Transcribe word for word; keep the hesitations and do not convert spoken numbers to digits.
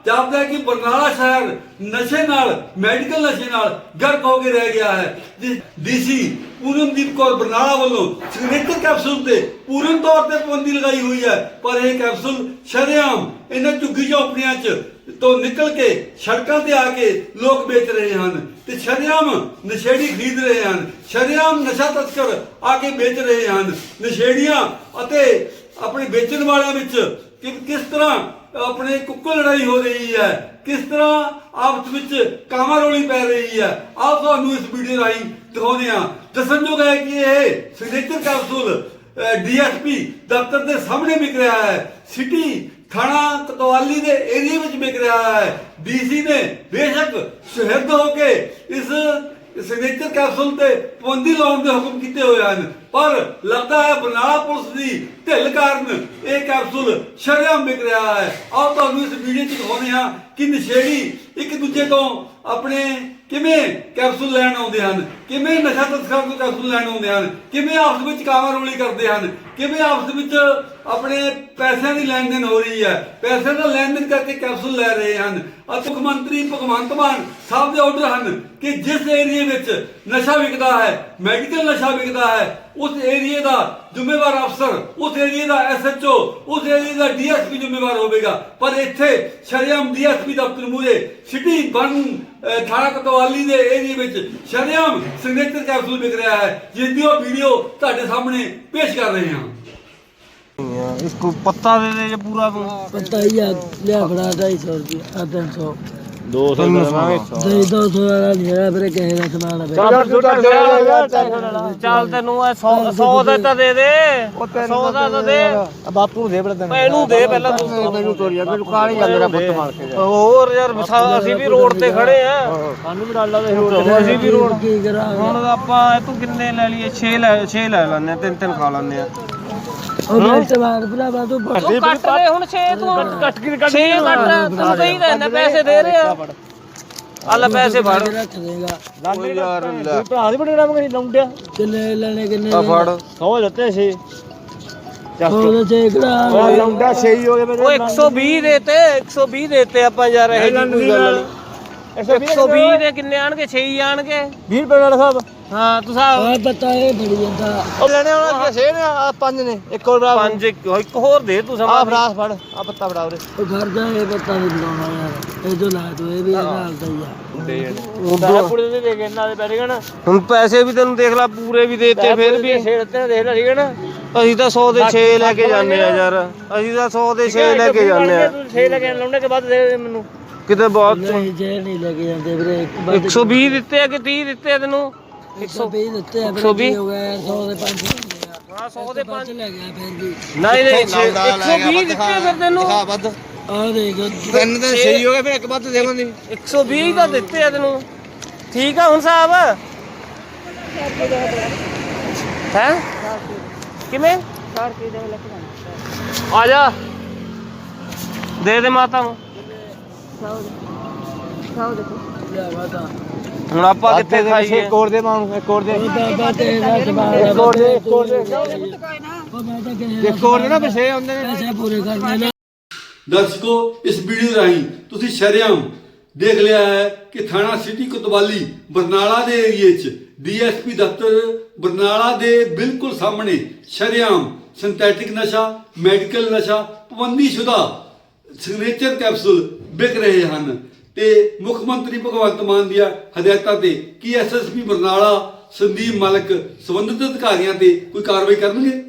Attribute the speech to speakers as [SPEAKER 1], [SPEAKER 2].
[SPEAKER 1] ਜਾਪਦਾ ਕਿ ਬਰਨਾਲਾ ਸ਼ਹਿਰ ਨਸ਼ੇ ਨਾਲ ਮੈਡੀਕਲ ਨਸ਼ੇ ਨਾਲ ਗਰਕ ਹੋ ਕੇ ਰਹਿ ਗਿਆ ਹੈ। ਡੀਸੀ ਪੂਰਨਦੀਪ ਕੌਰ ਬਰਨਾਲਾ ਵੱਲੋਂ ਸਿਗਨੇਚਰ ਕੈਪਸੂਲ ਤੇ ਪੂਰਨ ਤੌਰ ਤੇ ਪਾਬੰਦੀ ਲਗਾਈ ਹੋਈ ਹੈ, ਪਰ ਇਹ ਕੈਪਸੂਲ ਸ਼ਰੇਆਮ ਇਹਨਾਂ ਝੁੱਗੀ ਝੌਂਪੜੀਆਂ 'ਚ ਤੋਂ ਨਿਕਲ ਕੇ ਸੜਕਾਂ ਤੇ ਆ ਕੇ ਲੋਕ ਵੇਚ ਰਹੇ ਹਨ ਤੇ ਸ਼ਰੇਆਮ ਨਸ਼ੇੜੀ ਖਰੀਦ ਰਹੇ ਹਨ, ਸ਼ਰੇਆਮ ਨਸ਼ਾ ਤਸਕਰ ਆ ਕੇ ਵੇਚ ਰਹੇ ਹਨ। ਨਸ਼ੇੜੀਆਂ ਅਤੇ ਆਪਣੇ ਵੇਚਣ ਵਾਲਿਆਂ ਵਿੱਚ ਕਿ ਕਿਸ ਤਰ੍ਹਾਂ ਆਪਣੇ ਕੁੱਕੜ ਲੜਾਈ ਹੋ ਰਹੀ ਹੈ, ਕਿਸ ਤਰ੍ਹਾਂ ਆਪਸ ਵਿੱਚ ਕਾਮਾ ਰੋਲੀ ਪੈ ਰਹੀ ਹੈ, ਆਪ ਤੁਹਾਨੂੰ ਇਸ ਵੀਡੀਓ ਰਾਹੀਂ ਦਿਖਾਉਂਦੇ ਹਾਂ। ਦੱਸਣਯੋਗ ਹੈ ਕਿ ਇਹ ਸਿਗਨੇਚਰ ਕੈਪਸੂਲ ਡੀਐਸਪੀ ਦਫ਼ਤਰ ਦੇ ਸਾਹਮਣੇ ਵਿਕ ਰਿਹਾ ਹੈ, ਸਿਟੀ ਥਾਣਾ ਕੋਤਵਾਲੀ ਦੇ ਏਰੀਏ ਵਿੱਚ ਵਿਕ ਰਿਹਾ ਹੈ। ਡੀਸੀ ਨੇ ਬੇਸ਼ੱਕ ਸ਼ਹਿਦ ਹੋ ਕੇ ਇਸ ਸਿਗਨੇਚਰ ਕੈਪਸੂਲ ਤੇ ਪਾਬੰਦੀ ਲਾਉਣ ਦੇ ਹੁਕਮ ਕੀਤੇ ਹੋਏ ਹਨ, ਪਰ ਲੱਗਦਾ ਹੈ ਬਰਨਾਲਾ ਪੁਲਿਸ ਦੀ ਢਿੱਲ ਕਾਰਨ ਇਹ ਕੈਪਸੂਲ ਸ਼ਰੇਆਮ ਵਿਕ ਰਿਹਾ ਹੈ। ਆਓ ਤੁਹਾਨੂੰ ਇਸ ਵੀਡੀਓ 'ਚ ਦਿਖਾਉਂਦੇ ਹਾਂ ਕਿ ਨਸ਼ੇੜੀ ਇੱਕ ਦੂਜੇ ਤੋਂ ਆਪਣੇ ਕਿਵੇਂ ਕੈਪਸੂਲ ਲੈਣ ਆਉਂਦੇ ਹਨ, ਕਿਵੇਂ ਨਸ਼ਾ ਤਸਕਰਾਂ ਤੋਂ ਕੈਪਸੂਲ ਲੈਣ ਆਉਂਦੇ ਹਨ, ਕਿਵੇਂ ਆਪਸ ਵਿੱਚ ਕਾਮਾ ਰੋਲੀ ਕਰਦੇ ਹਨ, ਕਿਵੇਂ ਆਪਸ ਵਿੱਚ ਆਪਣੇ ਪੈਸਿਆਂ ਦੀ ਲੈਣ ਦੇਣ ਹੋ ਰਹੀ ਹੈ, ਪੈਸੇ ਦਾ ਲੈਣ ਦੇਣ ਕਰਕੇ ਕੈਪਸੂਲ ਲੈ ਰਹੇ ਹਨ। ਅਤੇ ਮੁੱਖ ਮੰਤਰੀ ਭਗਵੰਤ ਮਾਨ ਸਾਹਿਬ ਦੇ ਆਰਡਰ ਹਨ ਕਿ ਜਿਸ ਏਰੀਏ ਵਿੱਚ ਨਸ਼ਾ ਵਿਕਦਾ ਹੈ, ਮੈਡੀਕਲ ਨਸ਼ਾ ਵਿਕਦਾ ਹੈ, ਉਸ ਏਰੀਏ ਦਾ ਜ਼ਿੰਮੇਵਾਰ ਅਫਸਰ, ਉਸ ਏਰੀਏ ਦਾ ਐਸ ਐਚ ਓ, ਉਸ ਏਰੀਏ ਦਾ ਡੀ ਐਸ ਪੀ ਜ਼ਿੰਮੇਵਾਰ ਹੋਵੇਗਾ। ਪਰ ਇੱਥੇ ਸ਼ਰੇਆਮ ਡੀ ਐਸ ਪੀ ਦਫ਼ਤਰ ਮੂਹਰੇ ਸਿਟੀ ਬਨ ਥਾਣਾ ਕੋਤਵਾਲੀ ਦੇ ਏਰੀਏ ਵਿੱਚ ਸ਼ਰੇਆਮ ਸਿਗਨੇਚਰ ਕੈਪਸੂਲ ਵਿਕ ਰਿਹਾ ਹੈ, ਜਿਸ ਦੀ ਉਹ ਵੀਡੀਓ ਤੁਹਾਡੇ ਸਾਹਮਣੇ ਪੇਸ਼ ਕਰ ਰਹੇ ਹਾਂ।
[SPEAKER 2] इसको पत्ता दे दे जो पूरा तू
[SPEAKER 3] पता ही है लिया बड़ा ढाई सौ रुपया तीन सौ
[SPEAKER 2] दो सौ
[SPEAKER 3] दो दो सौ वाला नहीं है फिर कहेगा समान है
[SPEAKER 2] ਚੱਲ ਤੈਨੂੰ ਸੌ ਸੌ ਦਾ ਤਾਂ ਦੇ ਦੇ ਸੌ ਦਾ ਤਾਂ ਦੇ
[SPEAKER 3] बापू दे बड़ा दिन
[SPEAKER 2] ਇਹਨੂੰ ਦੇ ਪਹਿਲਾਂ ਤੂੰ
[SPEAKER 3] ਮੈਨੂੰ ਤੋਰੀਆ ਮੈਨੂੰ ਕਾਲ ਹੀ ਮੇਰਾ ਪੁੱਤ ਮਾਰ ਕੇ
[SPEAKER 2] ਹੋਰ ਯਾਰ ਅਸੀਂ ਵੀ ਰੋਡ ਤੇ ਖੜੇ ਆ
[SPEAKER 3] ਸਾਨੂੰ ਵੀ ਡਾਲਾ ਦੇ
[SPEAKER 2] ਅਸੀਂ ਵੀ ਰੋਡ
[SPEAKER 3] ਕੀ ਕਰਾਂ
[SPEAKER 2] ਹੁਣ ਆਪਾਂ ਤੂੰ ਕਿੰਨੇ ਲੈ ਲਈਏ ਛੇ ਲੈ ਛੇ ਲੈ ਲੈਣੇ ਤਿੰਨ ਤਿੰਨ ਖਾ ਲੈਣੇ ਆ
[SPEAKER 3] ਉਹ ਮੇਰੇ ਸਵਾਲ ਭਰਾਵਾ ਤੂੰ
[SPEAKER 2] ਤੂੰ ਕੱਟ ਦੇ ਹੁਣ ਛੇ ਤੂੰ ਕੱਟ ਕੇ ਕੱਟ ਛੇ ਕੱਟ ਤੂੰ ਕਹੀ ਰਹਿਣਾ ਪੈਸੇ ਦੇ ਰਹੇ ਆ ਅੱਲਾ ਪੈਸੇ ਫੜ
[SPEAKER 3] ਰੱਖ ਦੇਗਾ
[SPEAKER 2] ਓ ਯਾਰ ਲੈ ਭਰਾ ਦੀ ਬੜੇ ਨਾਮ ਕਰੀ ਲੌਂਡਿਆ
[SPEAKER 3] ਕਿੰਨੇ ਲੈਣੇ ਕਿੰਨੇ
[SPEAKER 2] ਆ ਫੜ ਸੌ ਦਿੱਤੇ ਛੇ
[SPEAKER 3] ਉਹ ਚੇਕੜਾ
[SPEAKER 2] ਉਹ ਲੌਂਡਾ ਛੇ ਹੀ ਹੋ ਗਏ ਮੇਰੇ ਉਹ ਇੱਕ ਸੌ ਵੀਹ ਦੇਤੇ ਇੱਕ ਸੌ ਵੀਹ ਦੇਤੇ ਆਪਾਂ ਯਾਰ ਇਹ ਕੋਈ ਗੱਲ ਨਹੀਂ ਇੱਕ ਸੌ ਵੀਹ ਦੇ ਕਿੰਨੇ ਆਣਗੇ ਛੇ ਹੀ ਆਣਗੇ ਵੀਹ ਰੁਪਏ ਵਾਲਾ ਸਾਹਿਬ ਹਾਂ ਤੂੰ ਸਾਹਿਬ
[SPEAKER 3] ਆ ਪਤਾ ਇਹ ਬੜੀ ਜਾਂਦਾ
[SPEAKER 2] ਉਹ ਲੈਣੇ ਉਹਨਾਂ ਛੇ ਨੇ ਆ ਪੰਜ ਨੇ ਇੱਕ ਹੋਰ ਪੰਜ ਇੱਕ ਹੋਰ ਦੇ ਤੂੰ ਸਮਾਂ ਆ ਫਰਾਸ ਫੜ ਆ ਪੱਤਾ ਫੜਾ ਉਰੇ
[SPEAKER 3] ਉਹ ਘਰ ਦਾ ਇਹ ਪਤਾ ਨਹੀਂ ਬਣਾਉਣਾ ਯਾਰ ਇਹ ਜੋ ਲਾ ਤੂੰ ਇਹ ਵੀ ਨਾਲ ਦਾ ਹੀ ਆ
[SPEAKER 2] ਦੇ ਉਹਦਾ ਕੁੜੇ ਦੇ ਦੇ ਕੇ ਇਹਨਾਂ ਦੇ ਪੈਸੇ ਗਣਾ ਹੁਣ ਪੈਸੇ ਵੀ ਤੈਨੂੰ ਦੇਖ ਲੈ ਪੂਰੇ ਵੀ ਦੇਤੇ ਫਿਰ ਵੀ ਛੇੜਤੇ ਦੇਖ ਲੈ ਠੀਕ ਹੈ ਨਾ ਅਸੀਂ ਤਾਂ ਸੌ ਦੇ ਛੇ ਲੈ ਕੇ ਜਾਂਦੇ ਆ ਯਾਰ ਅਸੀਂ ਤਾਂ ਸੌ ਦੇ ਛੇ ਲੈ ਕੇ ਜਾਂਦੇ ਆ ਤੂੰ ਛੇ ਲੈ ਕੇ ਲਾਉਣੇ ਕੇ ਬਾਅਦ ਦੇ ਮੈਨੂੰ ਕਿਤੇ ਬਹੁਤ
[SPEAKER 3] ਨਹੀਂ ਜੇ ਨਹੀਂ ਲੈ ਕੇ ਜਾਂਦੇ ਵੀਰੇ
[SPEAKER 2] ਇੱਕ ਸੌ ਵੀਹ ਦਿੱਤੇ ਆ ਕਿ ਤੀਹ ਦਿੱਤੇ ਆ ਤੈਨੂੰ
[SPEAKER 3] ਇੱਕ ਸੌ ਵੀਹ ਦਿੱਤੇ ਆ
[SPEAKER 2] ਇੱਕ ਸੌ ਵੀਹ
[SPEAKER 3] ਹੋ ਗਿਆ ਸੌ ਦੇ ਪੰਜ
[SPEAKER 2] ਹਾਂ ਸੌ ਦੇ ਪੰਜ
[SPEAKER 3] ਲੈ ਗਿਆ ਫਿਰ ਵੀ
[SPEAKER 2] ਨਹੀਂ ਨਹੀਂ ਇੱਕ ਸੌ ਵੀਹ ਦਿੱਤੇ ਫਿਰ ਤੈਨੂੰ
[SPEAKER 3] ਆ ਦੇਖ
[SPEAKER 2] ਤਿੰਨ ਤੇ ਛੇ ਹੋ ਗਏ ਫਿਰ ਇੱਕ ਵੱਧ ਦੇਵਾਂਗੇ ਇੱਕ ਸੌ ਵੀਹ ਤਾਂ ਦਿੱਤੇ ਆ ਤੈਨੂੰ ਠੀਕ ਆ ਹੁਣ ਸਾਹਿਬ ਹੈ ਕਿਵੇਂ ਆ ਜਾ ਦੇ ਦੇ ਮਾਤਾ ਨੂੰ ਹੁਣ ਆਪਾਂ ਕਿੱਥੇ ਖਾਈਏ ਇੱਕ ਹੋਰ ਦੇ ਮਾਂ ਨੂੰ ਇੱਕ ਹੋਰ ਦੇ
[SPEAKER 3] ਬਾਬਾ ਤੇਰਾ ਸਵਾਲ
[SPEAKER 2] ਇੱਕ ਹੋਰ ਦੇ ਇੱਕ ਹੋਰ ਦੇ
[SPEAKER 3] ਉਹ ਮੈਂ ਤਾਂ ਕਹਿੰਦਾ
[SPEAKER 2] ਇੱਕ ਹੋਰ ਦੇ ਨਾ ਪਿਛੇ ਆਉਂਦੇ ਨੇ
[SPEAKER 3] ਪੈਸੇ ਪੂਰੇ ਕਰਨੇ ਨੇ।
[SPEAKER 1] ਦਰਸ਼ਕੋ, ਇਸ ਵੀਡੀਓ ਰਾਹੀਂ ਤੁਸੀਂ ਸ਼ਰੇਆਮ ਦੇਖ ਲਿਆ ਹੈ ਕਿ ਥਾਣਾ ਸਿਟੀ ਕੋਤਵਾਲੀ ਬਰਨਾਲਾ ਦੇ ਏਰੀਏ 'ਚ ਡੀ ਐਸ ਪੀ ਦਫ਼ਤਰ ਬਰਨਾਲਾ ਦੇ ਬਿਲਕੁਲ ਸਾਹਮਣੇ ਸ਼ਰੇਆਮ ਸਿੰਥੈਟਿਕ ਨਸ਼ਾ, ਮੈਡੀਕਲ ਨਸ਼ਾ, ਪਾਬੰਦੀਸ਼ੁਦਾ ਸਿਗਨੇਚਰ ਕੈਪਸੂਲ ਵਿਕ ਰਹੇ ਹਨ ਤੇ ਮੁੱਖ ਮੰਤਰੀ ਭਗਵੰਤ ਮਾਨ ਦੀਆਂ ਹਦਾਇਤਾਂ ਤੇ ਕੀ S S P Barnala Sandeep Malik ਸੰਬੰਧਿਤ ਅਧਿਕਾਰੀਆਂ ਤੇ ਕੋਈ ਕਾਰਵਾਈ ਕਰਨਗੇ?